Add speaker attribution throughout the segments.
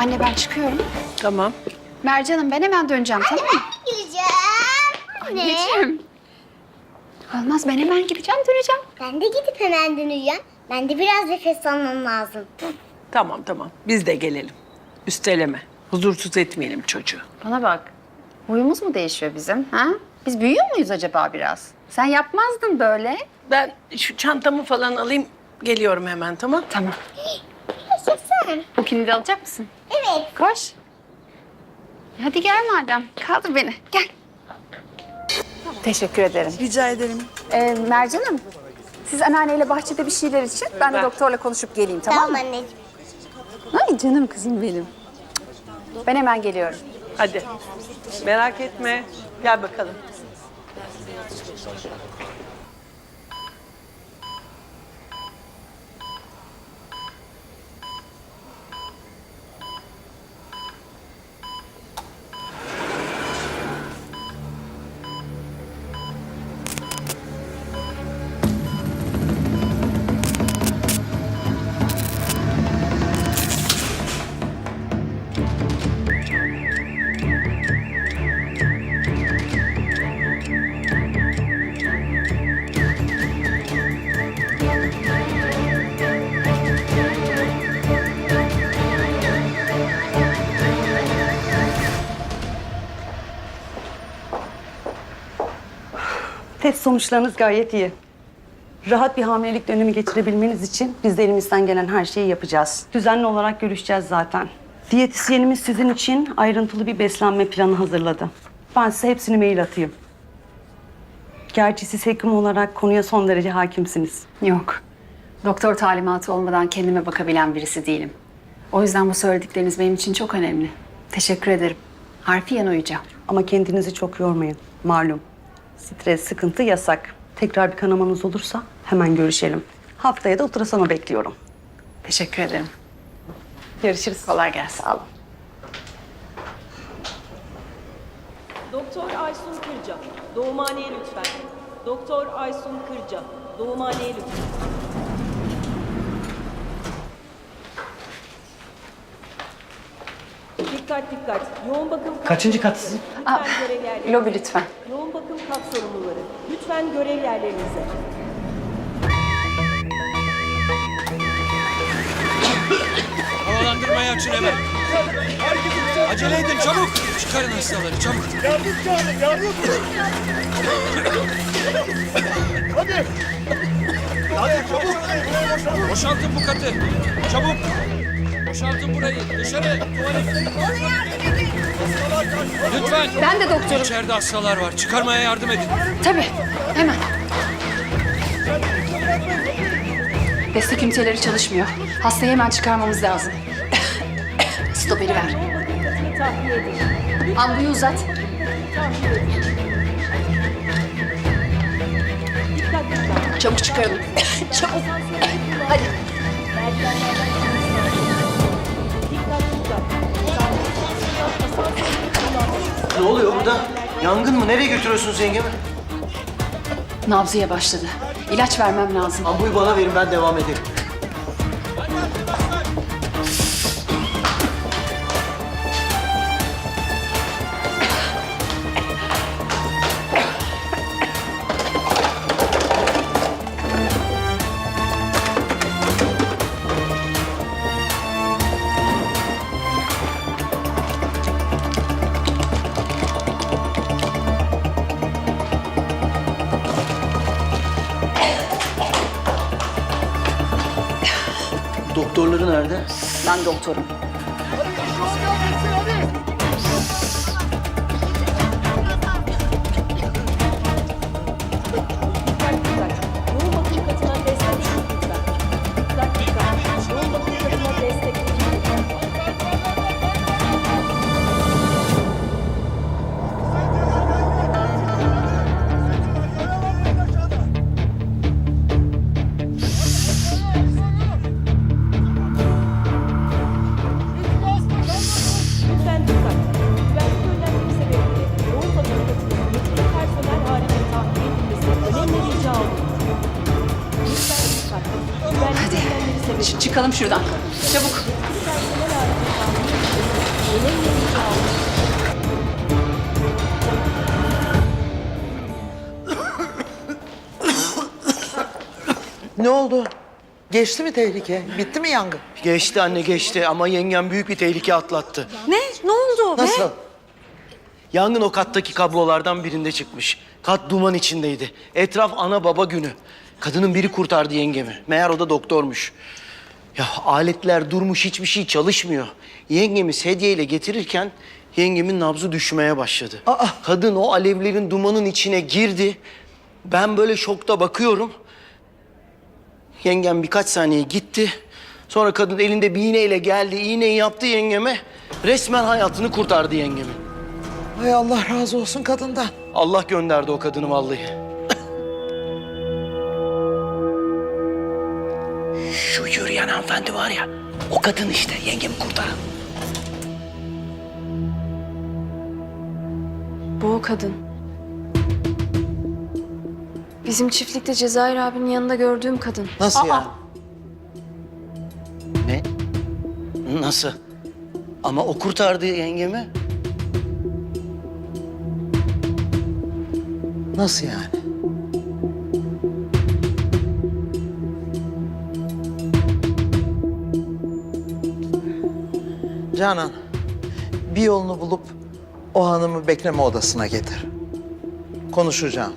Speaker 1: Anne ben çıkıyorum.
Speaker 2: Tamam.
Speaker 1: Mercan'ım ben hemen döneceğim tamam mı?
Speaker 3: Gideceğim.
Speaker 1: Anneciğim. Olmaz ben hemen gideceğim döneceğim.
Speaker 3: Ben de gidip hemen döneceğim. Ben de biraz nefes almam lazım.
Speaker 2: Tamam. Biz de gelelim. Üsteleme. Huzursuz etmeyelim çocuğu.
Speaker 1: Bana bak. Huyumuz mu değişiyor bizim? Ha? Biz büyüyor muyuz acaba biraz? Sen yapmazdın böyle.
Speaker 2: Ben şu çantamı falan alayım. Geliyorum hemen tamam.
Speaker 1: Tamam.
Speaker 3: Yaşasın.
Speaker 1: Bu kilidi alacak mısın?
Speaker 3: Evet.
Speaker 1: Koş. Hadi gel madem. Kaldır beni. Gel. Teşekkür ederim.
Speaker 4: Rica ederim.
Speaker 1: Mercan'ım, siz anneanneyle bahçede bir şeyler için. Ben de doktorla konuşup geleyim tamam
Speaker 3: Tamam
Speaker 1: mı?
Speaker 3: anneciğim.
Speaker 1: Ay canım kızım benim. Ben hemen geliyorum.
Speaker 2: Hadi. Merak etme. Gel bakalım.
Speaker 4: Test sonuçlarınız gayet iyi. Rahat bir hamilelik dönemi geçirebilmeniz için biz de elimizden gelen her şeyi yapacağız. Düzenli olarak görüşeceğiz zaten. Diyetisyenimiz sizin için ayrıntılı bir beslenme planı hazırladı. Ben size hepsini mail atayım. Gerçi siz hekim olarak konuya son derece hakimsiniz.
Speaker 1: Yok. Doktor talimatı olmadan kendime bakabilen birisi değilim. O yüzden bu söyledikleriniz benim için çok önemli. Teşekkür ederim. Harfiyen uyacağım.
Speaker 4: Ama kendinizi çok yormayın. Malum. Stres, sıkıntı yasak. Tekrar bir kanamanız olursa hemen görüşelim. Haftaya da ultrasonu bekliyorum.
Speaker 1: Teşekkür ederim.
Speaker 4: Görüşürüz.
Speaker 1: Kolay gelsin.
Speaker 4: Sağ olun.
Speaker 5: Doktor Aysun Kırca, doğumhaneye lütfen. Doktor Aysun Kırca, doğumhaneye lütfen. Dikkat. Yoğun bakım kat
Speaker 6: Kaçıncı katsın?
Speaker 5: Lütfen görev yerlerinize.
Speaker 1: Lobi lütfen.
Speaker 5: Yoğun bakım kat sorumluları. Lütfen görev yerlerinize.
Speaker 6: Havalandırmayı açın hemen. Acele edin çabuk. Çıkarın hastaları çabuk.
Speaker 7: Yardım çağırın, yardım. Hadi. Hadi çabuk.
Speaker 6: Boşaltın bu katı. Çabuk. Boşaltın burayı. Dışarı. Tuvalet. Lütfen.
Speaker 1: Ben de doktorum.
Speaker 6: İçeride hastalar var. Çıkarmaya yardım edin.
Speaker 1: Tabii. Hemen. Destek üniteleri çalışmıyor. Hastayı hemen çıkarmamız lazım. Stoperi ver.
Speaker 5: Yoğun bakım katını tahliye edin.
Speaker 1: Ambuyu uzat.
Speaker 5: Dikkat.
Speaker 1: Çabuk çıkaralım. Çabuk. Hadi.
Speaker 5: Merdivenlerden inmeniz lazım. Dikkat.
Speaker 8: Ne oluyor burada? Yangın mı? Nereye götürüyorsunuz yengemi?
Speaker 1: Nabzıya başladı. İlaç vermem lazım.
Speaker 8: Ambuyu bana verin, ben devam ederim. Doktorları nerede?
Speaker 1: Ben doktorum.
Speaker 5: Yoğun bakım katına destek lütfen. Dikkat. Yoğun bakım katına destek lütfen. Lütfen dikkat. Güvenlik önlemleri sebebiyle yoğun bakım katının yetkili personel halinde tahliye edilmesi önemli rica olunur. Lütfen dikkat. Güvenlik önlemleri sebebiyle
Speaker 1: Çıkalım şuradan. Çabuk.
Speaker 5: yetkili personel halinde tahliye edilmesi
Speaker 9: Ne oldu? Geçti mi tehlike? Bitti mi yangın?
Speaker 8: Geçti anne geçti ama yengem büyük bir tehlike atlattı.
Speaker 4: Ne? Ne oldu?
Speaker 9: Nasıl?
Speaker 8: Yangın o kattaki kablolardan birinde çıkmış. Kat duman içindeydi. Etraf ana baba günü. Kadının biri kurtardı yengemi. Meğer o da doktormuş. Ya aletler durmuş, hiçbir şey çalışmıyor. Yengemi sedyeyle getirirken yengemin nabzı düşmeye başladı. Kadın o alevlerin, dumanın içine girdi. Ben böyle şokta bakıyorum. Yengem birkaç saniye gitti. Sonra kadın elinde bir iğneyle geldi. İğneyi yaptı yengeme. Resmen hayatını kurtardı yengemin.
Speaker 9: Hay Allah razı olsun kadından.
Speaker 8: Allah gönderdi o kadını vallahi. Şu yürüyen hanımefendi var ya, o kadın işte yengemi kurtaran.
Speaker 10: Bu o kadın. Bizim çiftlikte Cezayir abinin yanında gördüğüm kadın.
Speaker 9: Nasıl yani?
Speaker 8: Ne? Nasıl? Ama o kurtardı yengemi.
Speaker 9: Nasıl yani? Canan, bir yolunu bulup o hanımı bekleme odasına getir. Konuşacağım.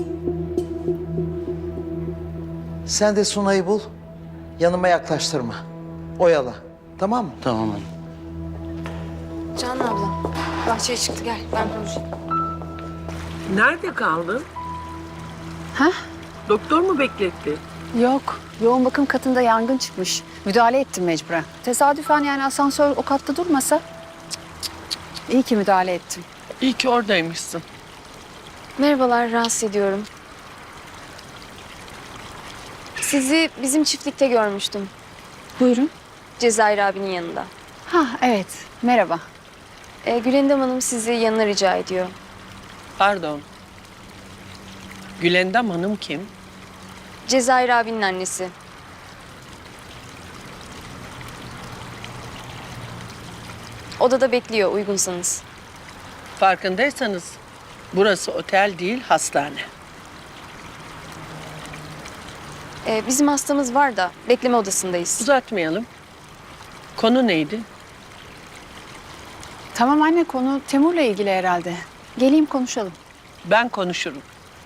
Speaker 9: Sen de Sunay'ı bul, yanıma yaklaştırma. Oyala, tamam mı?
Speaker 8: Tamam anne.
Speaker 10: Canan abla, bahçeye çıktı gel ben konuşayım.
Speaker 2: Nerede kaldın?
Speaker 1: Ha?
Speaker 2: Doktor mu bekletti?
Speaker 1: Yok. Yoğun bakım katında yangın çıkmış. Müdahale ettim mecburen. Tesadüfen yani asansör o katta durmasa. İyi ki müdahale ettim.
Speaker 2: İyi ki oradaymışsın.
Speaker 10: Merhabalar, rahatsız ediyorum. Sizi bizim çiftlikte görmüştüm.
Speaker 1: Buyurun.
Speaker 10: Cezayir abinin yanında.
Speaker 1: Ha evet. Merhaba.
Speaker 10: Gülendam Hanım sizi yanına rica ediyor.
Speaker 2: Pardon. Gülendam Hanım kim?
Speaker 10: Cezayir abinin annesi. Odada bekliyor uygunsanız.
Speaker 2: Farkındaysanız burası otel değil, hastane.
Speaker 10: Bizim hastamız var da bekleme odasındayız.
Speaker 2: Uzatmayalım. Konu neydi?
Speaker 1: Tamam anne, konu Temur'la ilgili herhalde. Geleyim konuşalım.
Speaker 2: Ben konuşurum.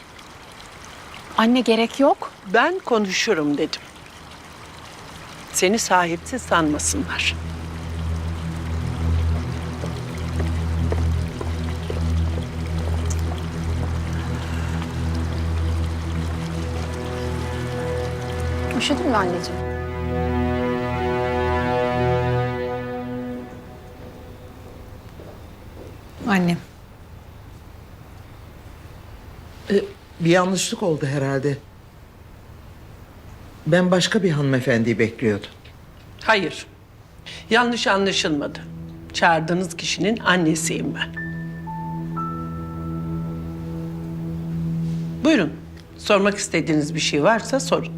Speaker 1: Anne gerek yok.
Speaker 2: Ben konuşurum dedim. Seni sahipsiz sanmasınlar.
Speaker 1: Üşüdün mü anneciğim? Annem.
Speaker 9: Bir yanlışlık oldu herhalde. Ben başka bir hanımefendiyi bekliyordum.
Speaker 2: Hayır. Yanlış anlaşılmadı. Çağırdığınız kişinin annesiyim ben. Buyurun. Sormak istediğiniz bir şey varsa sorun.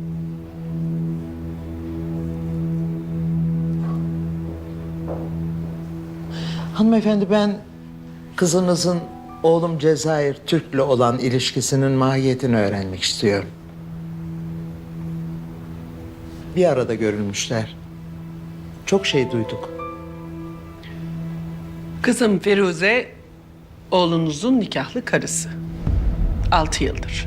Speaker 9: Hanımefendi, ben kızınızın oğlum Cezayir Türk'le olan ilişkisinin mahiyetini öğrenmek istiyorum. Bir arada görülmüşler. Çok şey duyduk.
Speaker 2: Kızım Firuze, oğlunuzun nikahlı karısı. 6 yıldır.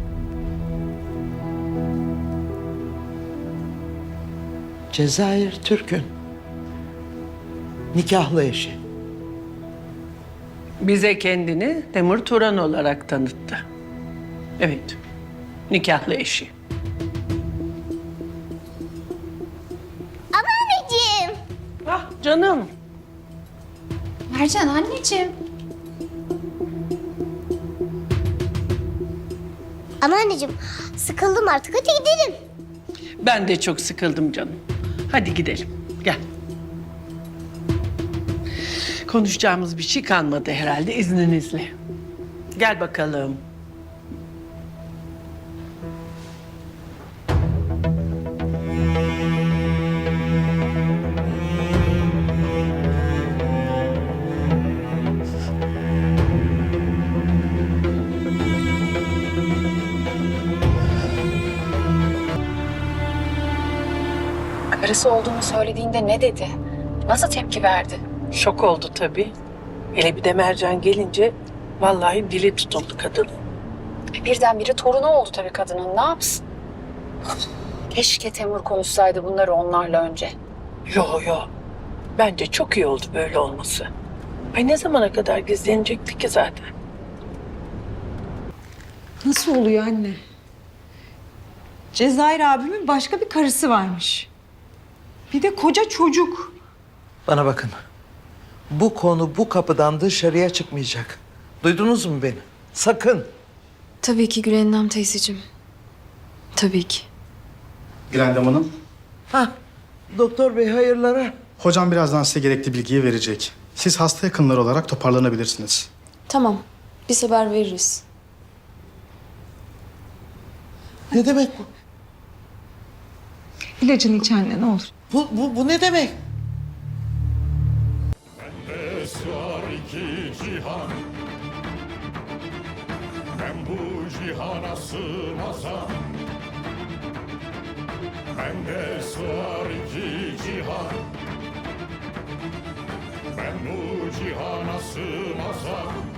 Speaker 9: Cezayir Türk'ün nikahlı eşi.
Speaker 2: Bize kendini Temur Turan olarak tanıttı. Evet, nikahlı eşi.
Speaker 3: Ama anneciğim.
Speaker 2: Ah canım.
Speaker 1: Mercan anneciğim.
Speaker 3: Ama anneciğim sıkıldım artık, hadi gidelim.
Speaker 2: Ben de çok sıkıldım canım. Hadi gidelim, gel. Konuşacağımız bir şey kalmadı herhalde izninizle. Gel bakalım.
Speaker 1: karısı olduğunu söylediğinde ne dedi? Nasıl tepki verdi?
Speaker 2: Şok oldu tabii. Hele bir de Mercan gelince vallahi dili tutuldu kadın.
Speaker 1: Birdenbire torunu oldu tabii kadının. Ne yapsın? Keşke Temur konuşsaydı bunları onlarla önce.
Speaker 2: Yo. Bence çok iyi oldu böyle olması. Ay ne zamana kadar gizlenecekti ki zaten?
Speaker 11: Nasıl oluyor anne? Cezayir abimin başka bir karısı varmış. Bir de koca çocuk.
Speaker 9: Bana bakın. Bu konu bu kapıdan dışarıya çıkmayacak. Duydunuz mu beni? Sakın.
Speaker 10: Tabii ki Gülendam teyzeciğim. Tabii ki.
Speaker 7: Gülendam Hanım,
Speaker 9: Ha, doktor bey hayırlara.
Speaker 7: hocam birazdan size gerekli bilgiyi verecek. Siz hasta yakınları olarak toparlanabilirsiniz.
Speaker 10: Tamam. Biz haber veririz.
Speaker 9: Ne demek bu?
Speaker 11: İlacını iç anne ne olur.
Speaker 9: Bu ne demek?
Speaker 6: Sığar iki cihan. Ben bu cihana sığmazam. Bende sığar iki cihan. Ben bu cihana sığmazam.